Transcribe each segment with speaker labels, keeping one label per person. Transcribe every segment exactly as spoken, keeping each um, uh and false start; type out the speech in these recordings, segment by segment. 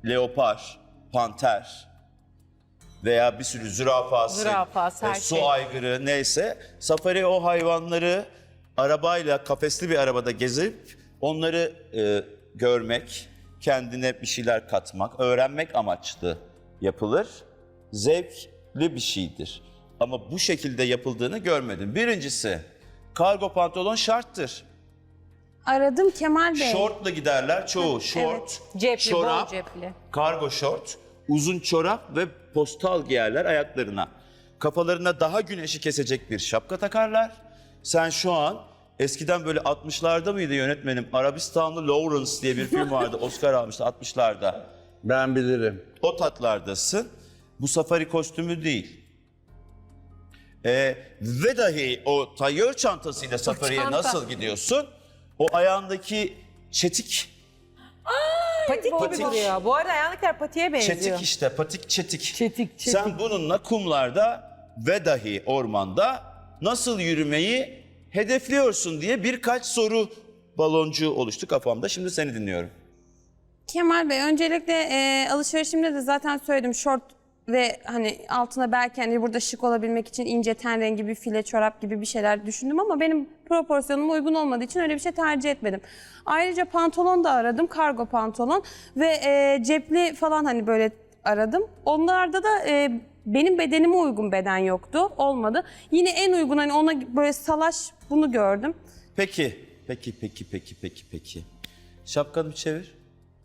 Speaker 1: leopar, panter veya bir sürü zürafası,
Speaker 2: Zürafası, her
Speaker 1: e, su
Speaker 2: şey.
Speaker 1: aygırı neyse safari o hayvanları arabayla kafesli bir arabada gezip onları e, görmek, kendine bir şeyler katmak, öğrenmek amaçlı yapılır. Zevkli bir şeydir. Ama bu şekilde yapıldığını görmedim. Birincisi, kargo pantolon şarttır.
Speaker 3: Aradım Kemal Bey.
Speaker 1: Şortla giderler çoğu. Şort,
Speaker 2: Cepli,
Speaker 1: çorap,
Speaker 2: bol cepli.
Speaker 1: kargo şort, uzun çorap ve postal giyerler ayaklarına. Kafalarına daha güneşi kesecek bir şapka takarlar. Sen şu an eskiden böyle altmışlarda mıydı yönetmenim? Arabistanlı Lawrence diye bir film vardı. Oscar almıştı altmışlarda.
Speaker 4: Ben bilirim.
Speaker 1: O tatlardasın. Bu safari kostümü değil. Ee, ve dahi o tayyör çantasıyla safariye
Speaker 2: çanta.
Speaker 1: nasıl gidiyorsun? O ayağındaki çetik,
Speaker 2: Patik gibi
Speaker 1: Patik.
Speaker 2: duruyor. Bu arada ayağındakiler patiye benziyor.
Speaker 1: çetik işte, patik çetik.
Speaker 2: Çetik, çetik.
Speaker 1: Sen bununla kumlarda ve dahi ormanda nasıl yürümeyi hedefliyorsun diye birkaç soru baloncuğu oluştu kafamda. Şimdi seni dinliyorum.
Speaker 3: Kemal Bey öncelikle e, alışverişimde de zaten söyledim şort ve hani altına belki hani burada şık olabilmek için ince ten rengi bir file çorap gibi bir şeyler düşündüm ama benim proporsiyonuma uygun olmadığı için öyle bir şey tercih etmedim. Ayrıca pantolon da aradım, kargo pantolon ve e, cepli falan hani böyle aradım. Onlarda da e, benim bedenime uygun beden yoktu, olmadı. Yine en uygun hani ona böyle salaş bunu gördüm.
Speaker 1: Peki, peki, peki, peki, peki, peki. Şapkanı bir çevir.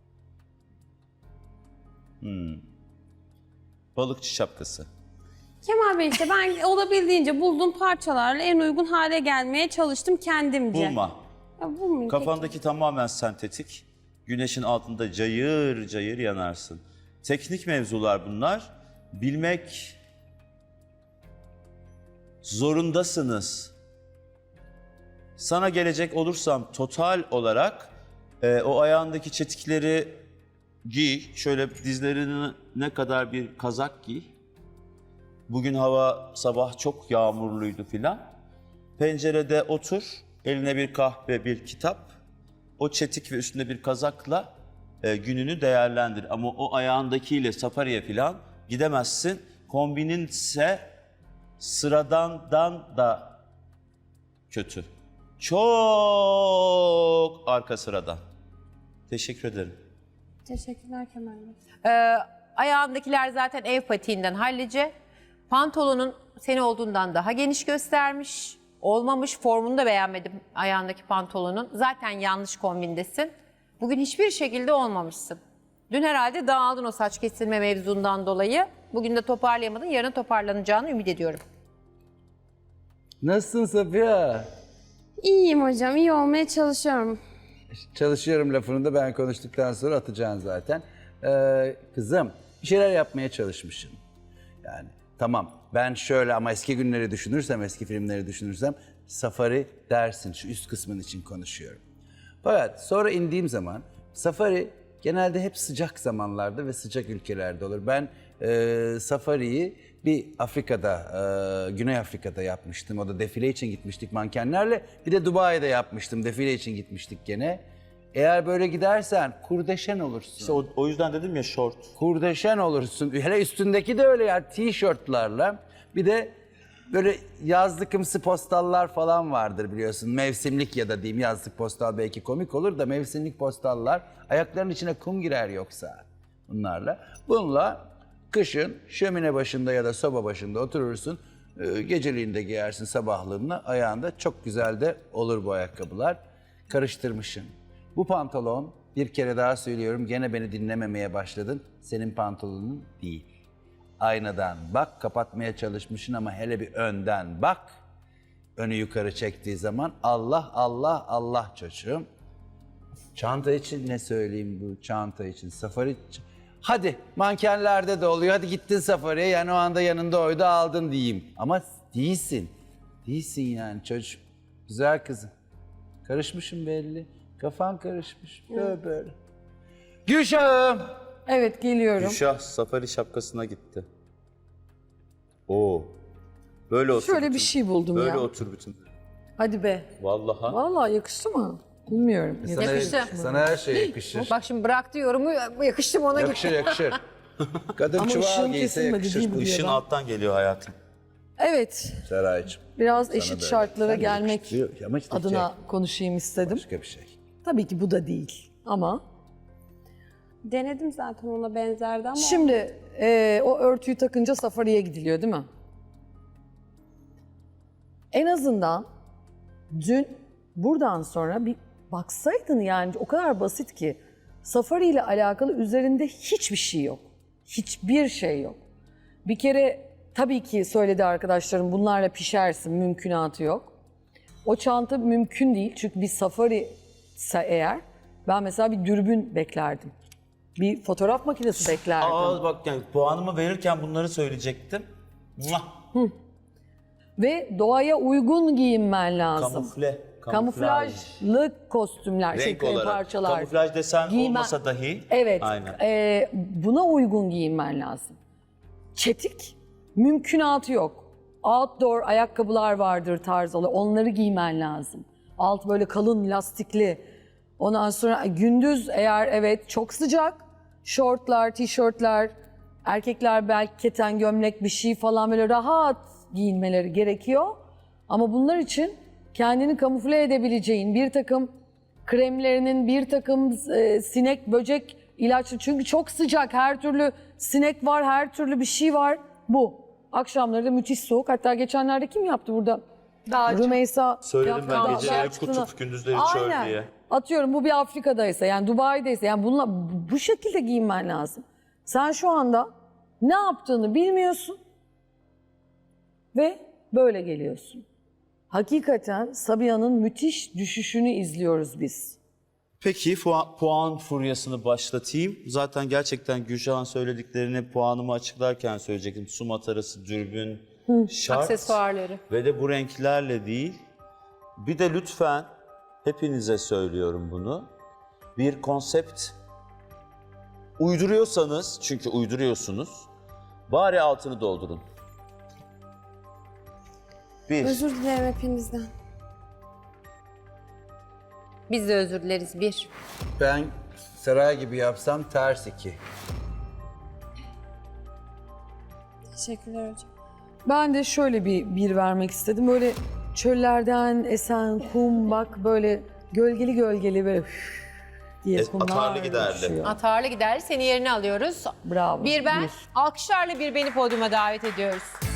Speaker 1: Hmm. Balıkçı şapkası.
Speaker 3: Kemal Bey işte ben olabildiğince bulduğum parçalarla en uygun hale gelmeye çalıştım kendimce.
Speaker 1: Bulma.
Speaker 3: Ya bulmayayım,
Speaker 1: Kafandaki tamamen sentetik. Güneşin altında cayır cayır yanarsın. Teknik mevzular bunlar. Bilmek zorundasınız. Sana gelecek olursam total olarak e, o ayağındaki çetikleri giy. Şöyle dizlerine ne kadar bir kazak giy. Bugün hava sabah çok yağmurluydu filan. Pencerede otur, eline bir kahve, bir kitap. O çetik ve üstünde bir kazakla e, gününü değerlendir. Ama o ayağındakiyle safariye filan gidemezsin. Kombininse sıradandan da kötü. Çok arka sıradan. Teşekkür ederim.
Speaker 3: Teşekkürler Kemal Bey.
Speaker 2: Ee, ayağındakiler zaten ev patiğinden hallice. Pantolonun seni olduğundan daha geniş göstermiş. Olmamış, formunu da beğenmedim ayağındaki pantolonun. Zaten yanlış kombindesin. Bugün hiçbir şekilde olmamışsın. Dün herhalde dağıldın o saç kesilme mevzundan dolayı. Bugün de toparlayamadın, yarın toparlanacağını ümit ediyorum.
Speaker 4: Nasılsın Safiye?
Speaker 3: İyiyim hocam, iyi olmaya çalışıyorum.
Speaker 4: Çalışıyorum lafını da ben konuştuktan sonra atacaksın zaten. Ee, kızım bir şeyler yapmaya çalışmışsın. Yani tamam ben şöyle ama eski günleri düşünürsem, eski filmleri düşünürsem safari dersin. Şu üst kısmın için konuşuyorum. Fakat sonra indiğim zaman safari genelde hep sıcak zamanlarda ve sıcak ülkelerde olur. Ben e, safariyi bir Afrika'da, e, Güney Afrika'da yapmıştım. O da defile için gitmiştik mankenlerle. Bir de Dubai'de yapmıştım. Defile için gitmiştik gene. Eğer böyle gidersen kurdeşen olursun.
Speaker 1: İşte o, o yüzden dedim ya şort.
Speaker 4: Kurdeşen olursun. Hele üstündeki de öyle ya tişörtlerle. Bir de böyle yazlıkımsı postallar falan vardır biliyorsun. Mevsimlik ya da diyeyim yazlık postal belki komik olur da mevsimlik postallar. Ayaklarının içine kum girer yoksa bunlarla. Bununla kışın şömine başında ya da soba başında oturursun. Ee, Geceliğini de giyersin sabahlığında. Ayağında çok güzel de olur bu ayakkabılar. Karıştırmışsın. Bu pantolon bir kere daha söylüyorum gene beni dinlememeye başladın. Senin pantolonun değil. Aynadan bak kapatmaya çalışmışsın ama hele bir önden bak. Önü yukarı çektiği zaman Allah Allah Allah çocuğum. Çanta için ne söyleyeyim bu çanta için safari. Hadi mankenlerde de oluyor hadi gittin safariye yani o anda yanında oydu aldın diyeyim. Ama değilsin. Değilsin yani çocuğum. Güzel kızım. Karışmışım belli. Kafan karışmış. Böyle böyle. Gülşah'ım.
Speaker 2: Evet, geliyorum.
Speaker 1: Gülşah safari şapkasına gitti. Oo. Böyle otur.
Speaker 5: Şöyle bir
Speaker 1: bütün-
Speaker 5: şey buldum
Speaker 1: Böyle
Speaker 5: ya.
Speaker 1: otur bütün.
Speaker 5: Hadi be.
Speaker 1: Vallahi.
Speaker 5: Vallahi yakıştı mı? Bilmiyorum.
Speaker 4: Sana,
Speaker 2: Yakıştı.
Speaker 4: sana her şey yakışır.
Speaker 2: Bak şimdi bıraktı yorumu, yakıştım ona
Speaker 4: Yakışır
Speaker 2: gitti.
Speaker 4: yakışır. Kadın
Speaker 5: Ama
Speaker 4: çuval
Speaker 5: ışığın
Speaker 4: giyse
Speaker 5: kesilmedi
Speaker 4: yakışır.
Speaker 5: değil mi diye
Speaker 1: Işın
Speaker 5: ben-
Speaker 1: alttan geliyor hayatım.
Speaker 5: Evet,
Speaker 4: Seraycığım.
Speaker 5: biraz
Speaker 4: Sana
Speaker 5: eşit
Speaker 4: da öyle.
Speaker 5: şartlara
Speaker 4: Sen de
Speaker 5: gelmek
Speaker 4: yakıştırıyor. Ama işte
Speaker 5: adına
Speaker 4: şey,
Speaker 5: konuşayım istedim.
Speaker 4: başka bir şey.
Speaker 5: Tabii ki bu da değil ama
Speaker 3: Denedim zaten ona benzerdi ama.
Speaker 5: şimdi e, o örtüyü takınca safariye gidiliyor değil mi? En azından dün buradan sonra bir baksaydın, yani o kadar basit ki safari ile alakalı üzerinde hiçbir şey yok. Hiçbir şey yok. Bir kere tabii ki söyledi arkadaşlarım, bunlarla pişersin, mümkünatı yok. O çanta mümkün değil çünkü bir safari ise eğer ben mesela bir dürbün beklerdim. Bir fotoğraf makinesi beklerdim.
Speaker 1: Aa bak yani puanımı verirken bunları söyleyecektim. Muah!
Speaker 5: Ve doğaya uygun giyinmen lazım.
Speaker 1: Kamufle.
Speaker 5: Kamuflajlı kostümler,
Speaker 1: Renk
Speaker 5: şey,
Speaker 1: olarak.
Speaker 5: parçalar.
Speaker 1: Kamuflaj desen
Speaker 5: Giymen-
Speaker 1: olmasa dahi.
Speaker 5: Evet,
Speaker 1: Aynen.
Speaker 5: e, buna uygun giyinmen lazım. Çetik, mümkünatı yok. Outdoor ayakkabılar vardır tarzı, onları giymen lazım. Alt böyle kalın, lastikli. Ondan sonra gündüz eğer evet çok sıcak, şortlar, tişörtler, erkekler belki keten gömlek bir şey falan böyle rahat giyinmeleri gerekiyor. Ama bunlar için kendini kamufle edebileceğin bir takım kremlerinin, bir takım e, sinek, böcek ilaçlı. Çünkü çok sıcak, her türlü sinek var, her türlü bir şey var. Bu. Akşamları da müthiş soğuk. Hatta geçenlerde kim yaptı burada? Rümeysa.
Speaker 1: Söyledim
Speaker 5: yaptı.
Speaker 1: ben
Speaker 5: Dağ-
Speaker 1: geceleri
Speaker 5: çıktığını-
Speaker 1: kutup, gündüzleri çöl
Speaker 5: Aynen.
Speaker 1: diye.
Speaker 5: Atıyorum bu bir Afrika'daysa, yani Dubai'deyse, yani bununla bu şekilde giyinmen lazım. Sen şu anda ne yaptığını bilmiyorsun ve böyle geliyorsun. Hakikaten Sabiha'nın müthiş düşüşünü izliyoruz biz.
Speaker 1: Peki puan, puan furyasını başlatayım. Zaten gerçekten Gülşah'ın söylediklerini puanımı açıklarken söyleyecektim. Su matarası, dürbün, şart
Speaker 2: Aksesuarları.
Speaker 1: ve de bu renklerle değil. Bir de lütfen hepinize söylüyorum bunu. Bir konsept uyduruyorsanız, çünkü uyduruyorsunuz, bari altını doldurun. Bir.
Speaker 3: Özür dilerim hepinizden.
Speaker 2: Biz de özür dileriz. Bir.
Speaker 4: Ben Seray gibi yapsam ters iki.
Speaker 3: Teşekkürler hocam.
Speaker 5: Ben de şöyle bir bir vermek istedim. Böyle çöllerden esen kum, bak böyle gölgeli gölgeli böyle üf diye
Speaker 1: E,
Speaker 5: kumlar
Speaker 1: atarlı giderli.
Speaker 5: uçuyor.
Speaker 2: Atarlı gider. Seni yerine alıyoruz.
Speaker 5: Bravo.
Speaker 2: Bir ben.
Speaker 5: Bir.
Speaker 2: Alkışlarla bir beni podyuma davet ediyoruz.